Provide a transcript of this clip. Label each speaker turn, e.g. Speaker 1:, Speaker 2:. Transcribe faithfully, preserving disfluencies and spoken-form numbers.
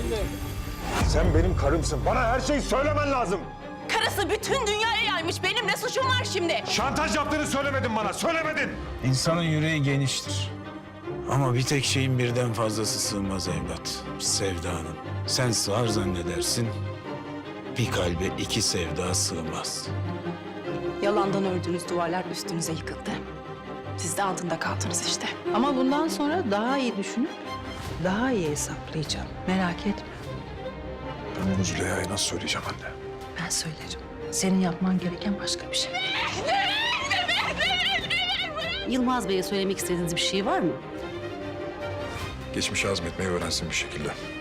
Speaker 1: Sen benim karımsın. Bana her şeyi söylemen lazım.
Speaker 2: Karısı bütün dünyaya yaymış. Benim ne suçum var şimdi?
Speaker 1: Şantaj yaptığını söylemedin bana. Söylemedin.
Speaker 3: İnsanın yüreği geniştir. Ama bir tek şeyin birden fazlası sığmaz evlat. Sevdanın. Sen sığar zannedersin. Bir kalbe iki sevda sığmaz.
Speaker 2: Yalandan ördüğünüz duvarlar üstünüze yıkıldı. Siz de altında kaldınız işte.
Speaker 4: Ama bundan sonra daha iyi düşünüp daha iyi hesaplayacağım. Merak etme.
Speaker 1: Ben bunu Züleyha'ya nasıl söyleyeceğim anne?
Speaker 4: Ben söylerim. Senin yapman gereken başka bir şey.
Speaker 5: Yılmaz Bey'e söylemek istediğiniz bir şey var mı?
Speaker 1: Geçmişi azmetmeyi öğrensin bir şekilde.